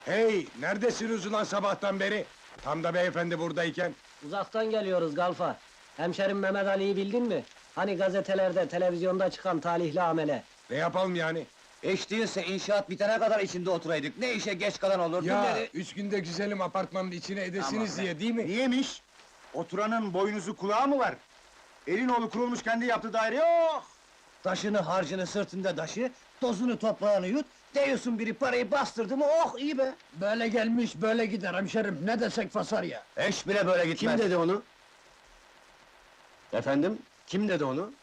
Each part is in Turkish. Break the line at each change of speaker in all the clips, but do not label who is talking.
Hey, neredesiniz ulan sabahtan beri? Tam da beyefendi buradayken.
Uzaktan geliyoruz Galfa. Hemşerim Mehmet Ali'yi bildin mi? Hani gazetelerde, televizyonda çıkan talihli amele.
Ne yapalım yani?
Hiç değilse inşaat bitene kadar içinde oturaydık. Ne işe geç kalan olur?
Ya, 3 günde güzelim apartmanın içine edesiniz diye değil mi?
Niyemiş? Oturanın boynuzu kulağı mı var? Elinoğlu kurulmuş kendi yaptığı daire yok!
Taşını harcını sırtında taşı, tozunu toprağını yut, değiyorsun biri parayı bastırdı mı, oh iyi be!
Böyle gelmiş, böyle gider hemşerim. Ne desek fasar ya.
Eş bile böyle gitmez.
Kim dedi onu? Efendim, kim dedi onu?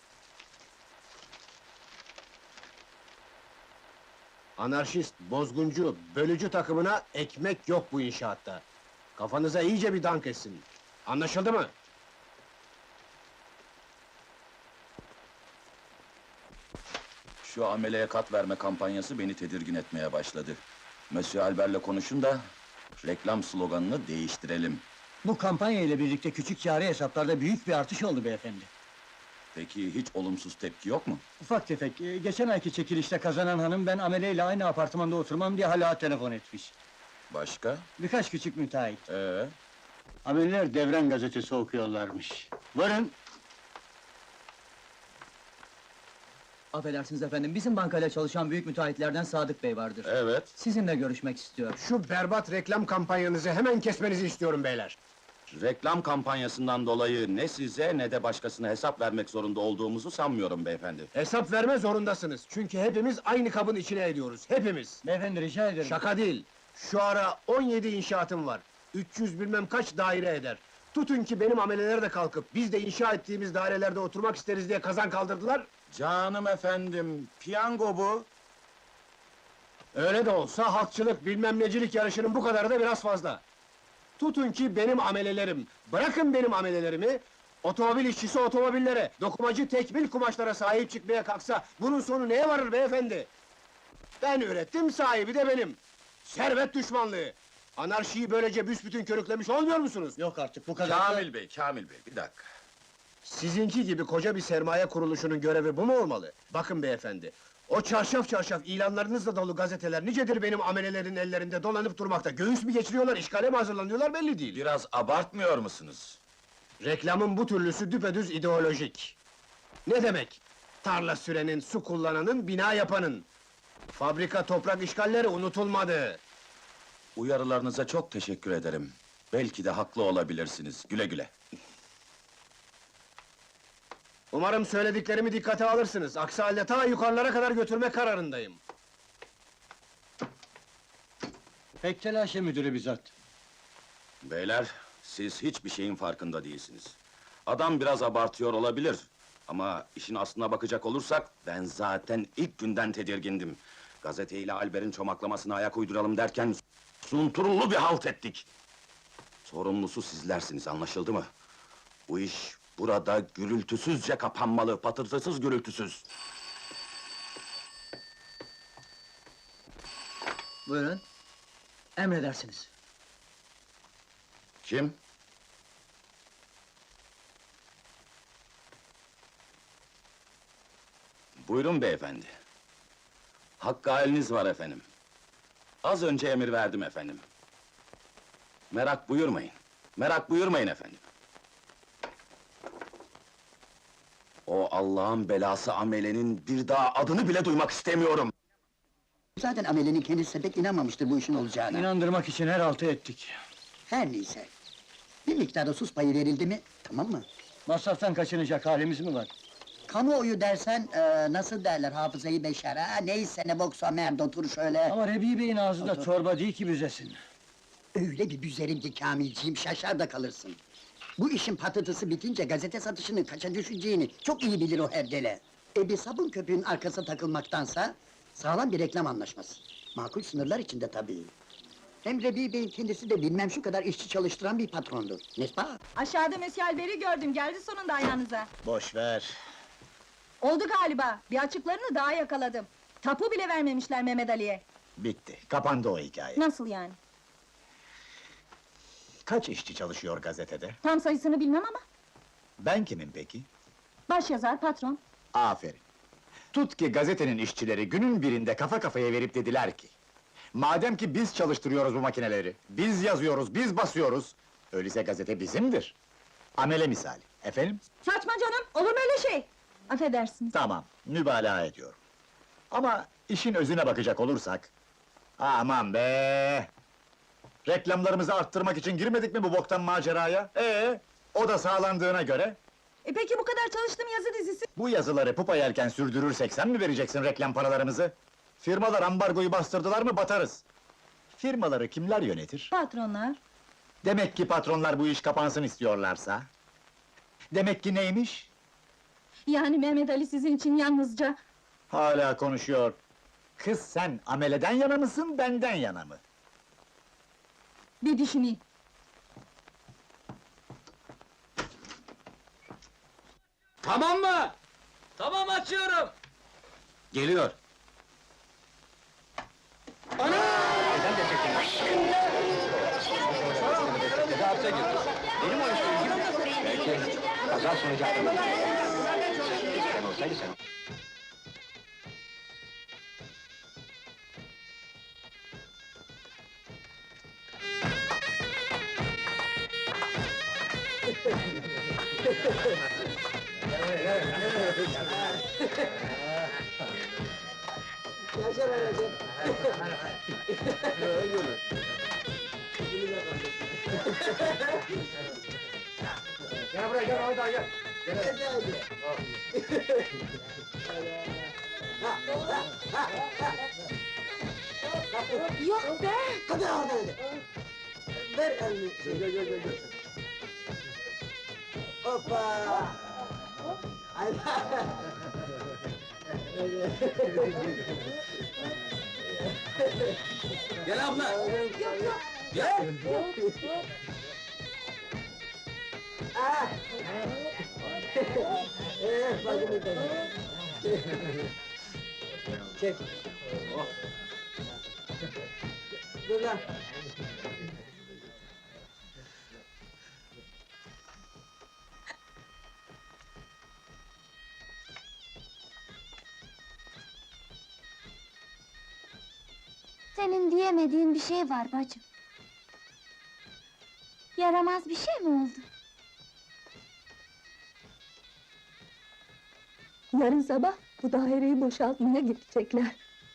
Anarşist, bozguncu, bölücü takımına ekmek yok bu inşaatta. Kafanıza iyice bir dank etsin. Anlaşıldı mı?
Şu ameleye kat verme kampanyası beni tedirgin etmeye başladı. Monsieur Albert'le konuşun da reklam sloganını değiştirelim.
Bu kampanya ile birlikte küçük cari hesaplarda büyük bir artış oldu beyefendi.
Peki hiç olumsuz tepki yok mu?
Ufak tefek, geçen ayki çekilişte kazanan hanım ben ameleyle aynı apartmanda oturmam diye hala telefon etmiş.
Başka?
Birkaç küçük müteahhit.
Ameliler Devren gazetesi okuyorlarmış. Varın!
Affedersiniz efendim, bizim bankayla çalışan büyük müteahhitlerden Sadık Bey vardır.
Evet.
Sizinle görüşmek istiyor.
Şu berbat reklam kampanyanızı hemen kesmenizi istiyorum beyler.
Reklam kampanyasından dolayı ne size ne de başkasına hesap vermek zorunda olduğumuzu sanmıyorum beyefendi.
Hesap verme zorundasınız. Çünkü hepimiz aynı kabın içine ediyoruz. Hepimiz.
Beyefendi rica ederim.
Şaka değil. Şu ara 17 inşaatım var. 300 bilmem kaç daire eder. Tutun ki benim ameleler de kalkıp biz de inşa ettiğimiz dairelerde oturmak isteriz diye kazan kaldırdılar.
Canım efendim, piyango bu.
Öyle de olsa halkçılık bilmem necilik yarışının bu kadarı da biraz fazla. Tutun ki benim amelelerim, bırakın benim amelelerimi, otomobil işçisi otomobillere, dokumacı tekmil kumaşlara sahip çıkmaya kalksa, bunun sonu neye varır beyefendi? Ben ürettim, sahibi de benim. Servet düşmanlığı. Anarşiyi böylece büsbütün körüklemiş olmuyor musunuz?
Yok artık bu kadar.
Kamil Bey, bir dakika.
Sizinki gibi koca bir sermaye kuruluşunun görevi bu mu olmalı? Bakın beyefendi, o çarşaf çarşaf ilanlarınızla dolu gazeteler nicedir benim amelelerin ellerinde dolanıp durmakta. Göğüs mü geçiriyorlar, işgale mi hazırlanıyorlar belli değil.
Biraz abartmıyor musunuz?
Reklamın bu türlüsü düpedüz ideolojik. Ne demek? Tarla sürenin, su kullananın, bina yapanın. Fabrika toprak işgalleri unutulmadı.
Uyarılarınıza çok teşekkür ederim. Belki de haklı olabilirsiniz. Güle güle.
Umarım söylediklerimi dikkate alırsınız. Aksi halde ta yukarılara kadar götürme kararındayım.
Pek telaşe müdürü bizzat.
Beyler, siz hiçbir şeyin farkında değilsiniz. Adam biraz abartıyor olabilir. Ama işin aslına bakacak olursak, ben zaten ilk günden tedirgindim. Gazeteyle Albert'in çomaklamasına ayak uyduralım derken, sunturulu bir halt ettik. Sorumlusu sizlersiniz, anlaşıldı mı? Bu iş burada gürültüsüzce kapanmalı, patırtısız gürültüsüz.
Buyurun. Emredersiniz.
Kim? Buyurun beyefendi. Hakkı haliniz var efendim. Az önce emir verdim efendim. Merak buyurmayın. Merak buyurmayın efendim. O Allah'ın belası amelenin bir daha adını bile duymak istemiyorum.
Zaten amelenin kendisi pek inanmamıştır bu işin olacağına.
İnandırmak için her altı ettik.
Her neyse. Bir miktarda sus payı verildi mi, tamam mı?
Masraftan kaçınacak halimiz mi var?
Kamuoyu dersen, nasıl derler hafızayı beşer ha? Neyse ne boksa merd otur şöyle.
Ama Rebi Bey'in ağzı da
Otur.
çorba değil ki büzesin.
Öyle bir büzerim ki Kamilciğim, şaşar da kalırsın. Bu işin patırtısı bitince gazete satışının kaça düşeceğini çok iyi bilir o herdele. Bir sabun köpüğün arkasına takılmaktansa, sağlam bir reklam anlaşması. Makul sınırlar içinde tabii. Hem Rebi Bey'in kendisi de bilmem şu kadar işçi çalıştıran bir patrondu. N'est-ce pas?
Aşağıda Monsieur Albert'i gördüm, geldi sonunda ayağınıza.
Boş ver.
Oldu galiba, bir açıklarını daha yakaladım. Tapu bile vermemişler Mehmet Ali'ye.
Bitti, kapandı o hikaye.
Nasıl yani?
Kaç işçi çalışıyor gazetede?
Tam sayısını bilmem ama.
Ben kimim peki?
Başyazar, patron.
Aferin. Tut ki gazetenin işçileri günün birinde kafa kafaya verip dediler ki... Madem ki biz çalıştırıyoruz bu makineleri, biz yazıyoruz, biz basıyoruz, öyleyse gazete bizimdir. Amele misali, efendim?
Saçma canım, olur mu öyle şey? Affedersiniz.
Tamam, mübalağa ediyorum. Ama işin özüne bakacak olursak... Aman be! Reklamlarımızı arttırmak için girmedik mi bu boktan maceraya? O da sağlandığına göre...
Peki bu kadar çalıştığım yazı dizisi?
Bu yazıları pupa yerken sürdürürsek sen mi vereceksin reklam paralarımızı? Firmalar ambargoyu bastırdılar mı batarız. Firmaları kimler yönetir?
Patronlar.
Demek ki patronlar bu iş kapansın istiyorlarsa... Demek ki neymiş?
Yani Mehmet Ali sizin için yalnızca...
Hala konuşuyor. Kız sen ameleden yana mısın, benden yana mı?
Bir düşüneyim.
Tamam mı? Tamam, açıyorum.
Geliyor.
Gel buraya, gel hadi gel.
Yok be!
Hadi hadi. Ver elini.
Gel.
Hoppa! Haydi.
Gel abla.
Bakın Çek. Dur lan.
Senin diyemediğin bir şey var bacım. Yaramaz bir şey mi oldu?
Yarın sabah bu daireyi boşaltmaya gidecekler.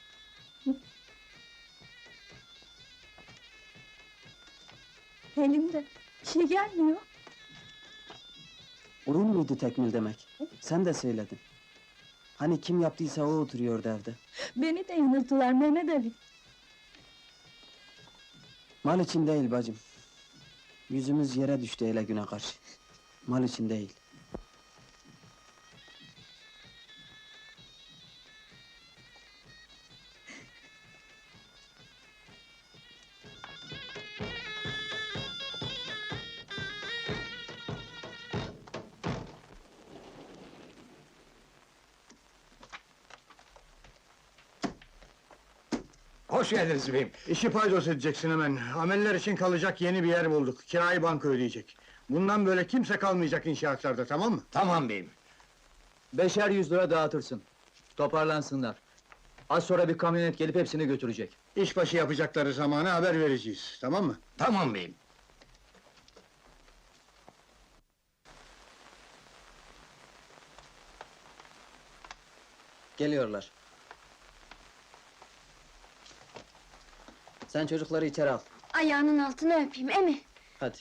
Elimde bir şey gelmiyor.
Urun muydu tekmil demek? Sen de söyledin. Hani kim yaptıysa o oturuyor derdi.
Beni de yanılttılar Mehmet Ali.
Mal için değil bacım. Yüzümüz yere düştü hele güne karşı. Mal için değil.
Hoş geldiniz beyim. İşi paydos edeceksin hemen. Ameller için kalacak yeni bir yer bulduk. Kirayı banka ödeyecek. Bundan böyle kimse kalmayacak inşaatlarda, tamam mı?
Tamam beyim. 5'er 100 lira dağıtırsın. Toparlansınlar. Az sonra bir kamyonet gelip hepsini götürecek.
İşbaşı yapacakları zamana haber vereceğiz, tamam mı?
Tamam beyim.
Geliyorlar. Sen çocukları içeri al.
Ayağının altını öpeyim, emi?
Hadi.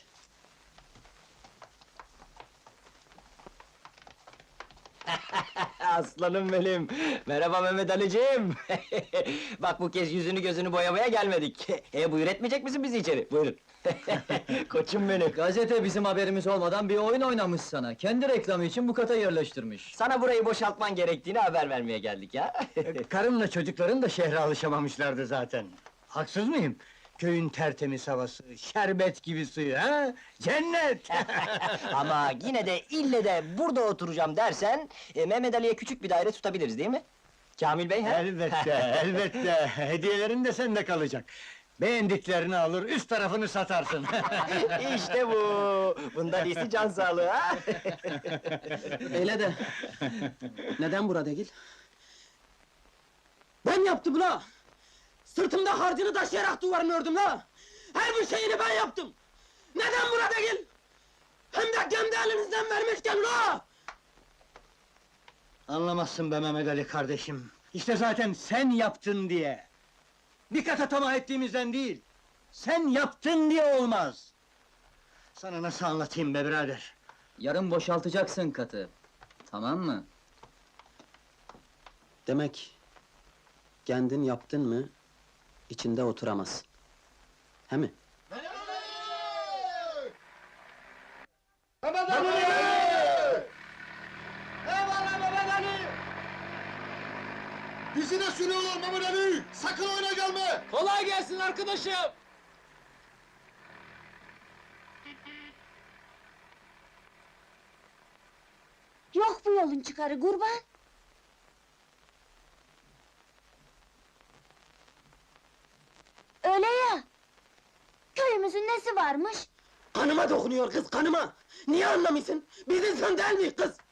Aslanım benim! Merhaba Mehmet Ali'ciğim! Bak bu kez yüzünü gözünü boyamaya gelmedik. Buyur etmeyecek misin bizi içeri? Buyurun! Koçum benim!
Gazete bizim haberimiz olmadan bir oyun oynamış sana. Kendi reklamı için bu kata yerleştirmiş.
Sana burayı boşaltman gerektiğini haber vermeye geldik ya!
Karımla çocukların da şehre alışamamışlardı zaten. Haksız mıyım? Köyün tertemiz havası, şerbet gibi suyu, ha? Cennet!
Ama yine de ille de burada oturacağım dersen... Mehmet Ali'ye küçük bir daire tutabiliriz değil mi? Kamil Bey, ha?
Elbette, elbette! Hediyelerin de sende kalacak. Beğendiklerini alır, üst tarafını satarsın.
İşte bu! Bundan iyisi can sağlığı, ha?
Öyle de. Neden burada değil? Ben yaptım la! Sırtımda harcını taşıyarak duvarını ördüm la! Her bir şeyini ben yaptım! Neden burada değil? Hem de kendi elinizden vermişken la!
Anlamazsın be Mehmet Ali kardeşim. İşte zaten sen yaptın diye. Bir kata tamah ettiğimizden değil. Sen yaptın diye olmaz. Sana nasıl anlatayım be birader?
Yarın boşaltacaksın katı. Tamam mı?
Demek... kendin yaptın mı... içinde oturamazsın. He mi?
Bizi de sürüyorlar Mehmet Ali! Sakın oyuna gelme!
Kolay gelsin arkadaşım!
Yok bu yolun çıkarı kurban. Öyle ya. Köyümüzün nesi varmış?
Kanıma dokunuyor kız, kanıma! Niye anlamıyorsun? Biz insan değil miyiz kız?